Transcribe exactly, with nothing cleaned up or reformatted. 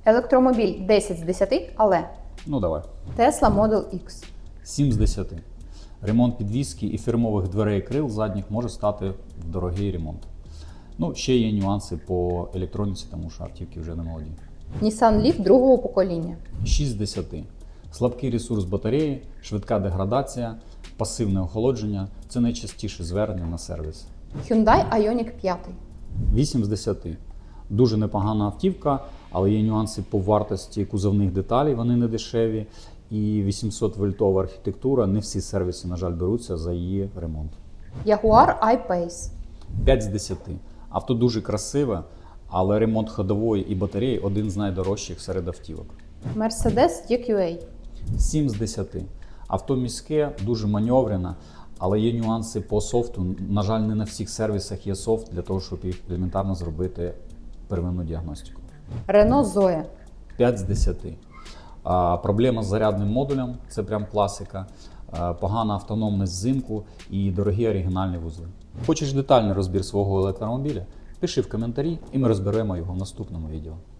Електромобіль десять з десяти, але Ну давай. Tesla Model X. сім з десяти. Ремонт підвіски і фірмових дверей крил задніх може стати в дорогий ремонт. Ну, ще є нюанси по електроніці, тому що автівки вже не молоді. Nissan Leaf другого покоління. шість з десяти. Слабкий ресурс батареї, швидка деградація, пасивне охолодження – це найчастіше звернення на сервіс. Hyundai Ioniq п'ять. вісім з десяти. Дуже непогана автівка, але є нюанси по вартості кузовних деталей, вони не дешеві. І вісімсот вольтова архітектура, не всі сервіси, на жаль, беруться за її ремонт. Jaguar I-Pace. п'ять з десяти. Авто дуже красиве, але ремонт ходової і батареї один з найдорожчих серед автівок. Mercedes і кю ей. сім з десяти. Авто міське, дуже маневрене, але є нюанси по софту. На жаль, не на всіх сервісах є софт для того, щоб елементарно зробити первинну діагностику. Renault Zoe. п'ять з десяти. А, проблема з зарядним модулем – це прям класика. А, погана автономність взимку і дорогі оригінальні вузли. Хочеш детальний розбір свого електромобіля? Пиши в коментарі і ми розберемо його в наступному відео.